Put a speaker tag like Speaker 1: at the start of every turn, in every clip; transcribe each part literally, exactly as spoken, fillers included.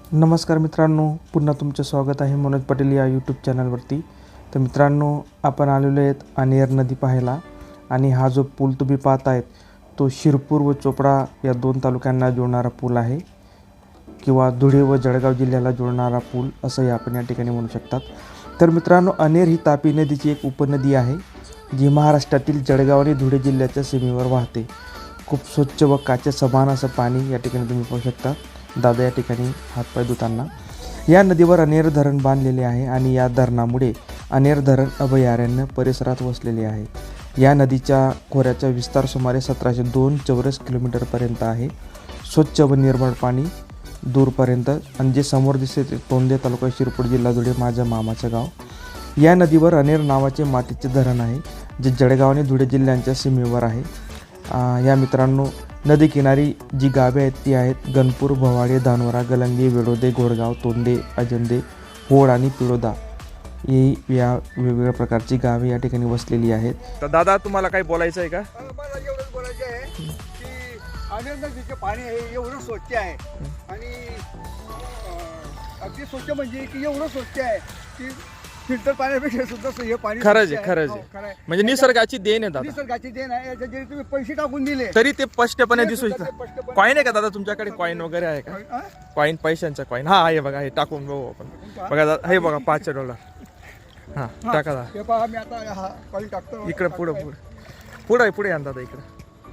Speaker 1: नमस्कार मित्रांनो, पुन्हा तुमचं स्वागत आहे मनोज पटेल या यूट्यूब चॅनलवरती. तर मित्रांनो, आपण आलेलो आहेत अनेर नदी पाहायला. आणि हा जो पूल तुम्ही पाहत आहेत तो शिरपूर व चोपडा या दोन तालुक्यांना जोडणारा पूल आहे, किंवा धुळे व जळगाव जिल्ह्याला जोडणारा पूल असंही आपण या ठिकाणी म्हणू शकतात. तर मित्रांनो, अनेर ही तापी नदीची एक उपनदी आहे जी महाराष्ट्रातील जळगाव आणि धुळे जिल्ह्याच्या सीमेवर वाहते. खूप स्वच्छ व काचे समान असं पाणी या ठिकाणी तुम्ही पाहू शकता. दादा या ठिकाणी हातपाय धुताना. या नदीवर अनेर धरण बांधलेले आहे आणि या धरणामुळे अनेर धरण अभयारण्य परिसरात वसलेले आहे. या नदीच्या खोऱ्याचा विस्तार सुमारे सतराशे दोन चौरस किलोमीटरपर्यंत आहे. स्वच्छ व निर्मळ पाणी दूरपर्यंत. आणि जे समोर दिसते ते तोंडे तालुका, शिरपूर जिल्हा, धुळे, माझ्या मामाचं गाव. या नदीवर अनेर नावाचे मातीचे धरण आहे जे जळगाव आणि धुळे जिल्ह्यांच्या सीमेवर आहे. या मित्रांनो, नदी किनारी जी गावे आहेत ती आहेत गणपूर, भवाडे, धानोरा, गलंगी, वेडोदे, घोडगाव, तोंडे, अजंदे, होड आणि पिळोदा ही या वेगवेगळ्या प्रकारची गावे या ठिकाणी वसलेली आहेत. तर दादा, तुम्हाला काही बोलायचं आहे का?
Speaker 2: मला एवढंच बोलायचं आहे की अनेर नदीचे पाणी आहे एवढं स्वच्छ आहे आणि अं, अगदी स्वच्छ म्हणजे की एवढं स्वच्छ आहे की फिल्टर पाण्यापेक्षा सुद्धा हे पाणी
Speaker 1: खरंच
Speaker 2: स्वच्छ
Speaker 1: आहे, खरंच
Speaker 2: हो,
Speaker 1: आहे.
Speaker 2: खरं आहे.
Speaker 1: म्हणजे निसर्गाची देण आहे दादा.
Speaker 2: निसर्गाची देण आहे. याच्या जरी तुम्ही पैसे टाकून दिले
Speaker 1: तरी ते स्पष्टपणे
Speaker 2: ते
Speaker 1: दिसू
Speaker 2: सुद्धा ते
Speaker 1: शकतं.
Speaker 2: स्पष्टपणे-
Speaker 1: कॉईन आहे का दादा तुमच्याकडे? कॉईन वगैरे आहे का?
Speaker 2: हा?
Speaker 1: कॉईन, पैशांचा कॉईन. हा आहे बघा, हे टाकून बघू आपण. बघा दादा, हे बघा पाचशे डॉलर. हां, टाका दादा.
Speaker 2: हे पहा, मी आता हा कॉइन टाकतो.
Speaker 1: इकडे पुढं पुढं पुढं पुढे या दादा इकडं.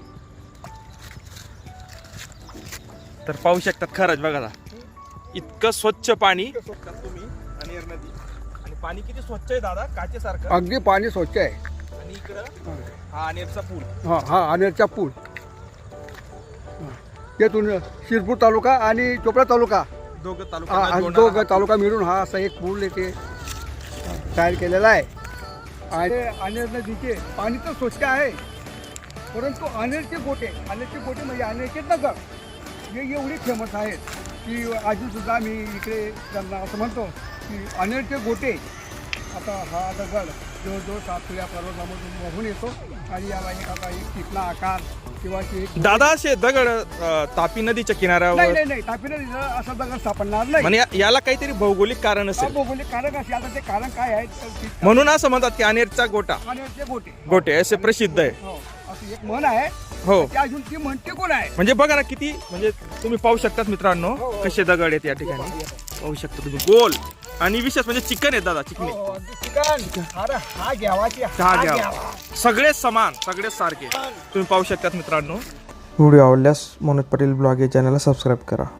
Speaker 1: तर पाहू शकतात खरंच बघा दादा, इतकं स्वच्छ पाणी तुम्ही अनेर नदी. आणि पाणी किती स्वच्छ आहे दादा, काचेसारखं.
Speaker 2: अगदी पाणी स्वच्छ आहे.
Speaker 1: आणि इकडं हा अनेरचा पूल.
Speaker 2: हा हा अनेरचा पूल. तेथून शिरपूर तालुका आणि चोपडा तालुका
Speaker 1: दोघं
Speaker 2: हा
Speaker 1: तालुका
Speaker 2: हा दोघं तालुका मिळून हा असा एक पूल येथे तयार केलेला आहे. आणि अनेर नदीचे पाणी तर स्वच्छ आहे, परंतु अनेरचे गोटे अनेरचे गोटे म्हणजे अनेरचे दगड हे एवढे फेमस आहेत की अजूनसुद्धा मी इकडे त्यांना असं म्हणतो की अनेरचे गोटे. आता हा दगड जवळजवळ सातपुड्या पर्वतामधून वाहून येतो आणि याला एक आता एक चिकना आकार किंवा एक
Speaker 1: दादा असे दगड अं, तापी नदीच्या
Speaker 2: नाही
Speaker 1: किनाऱ्यावर
Speaker 2: नाही नाही तापी नदीला असा दगड सापडणार नाही.
Speaker 1: म्हणजे या- याला काहीतरी भौगोलिक कारण
Speaker 2: हा
Speaker 1: असेल,
Speaker 2: भौगोलिक कारण असे. आता ते कारण काय आहे तर ते-
Speaker 1: म्हणून असं म्हणतात की अनेरचा गोटा
Speaker 2: अनेरचे गोटे
Speaker 1: गोटे असे प्रसिद्ध आहे.
Speaker 2: हो असं एक म्हण आहे.
Speaker 1: हो,
Speaker 2: ते अजून ती म्हणते कोण आहे?
Speaker 1: म्हणजे बघा ना किती, म्हणजे तुम्ही पाहू शकतात मित्रांनो
Speaker 2: हो, हो.
Speaker 1: कसे दगड आहेत या ठिकाणी. पाहू शकता तुम्ही, गोल. आणि विशेष म्हणजे चिकन आहे दादा,
Speaker 2: हो,
Speaker 1: चिकनी.
Speaker 2: हो, अगदी चिकन. अरे हा घ्यावाची
Speaker 1: हा घ्यावा. सगळे समान, सगळे सारखे तुम्ही पाहू शकतात मित्रांनो. व्हिडिओ आवडल्यास मनोज पटेल ब्लॉग या चॅनलला सबस्क्राईब करा.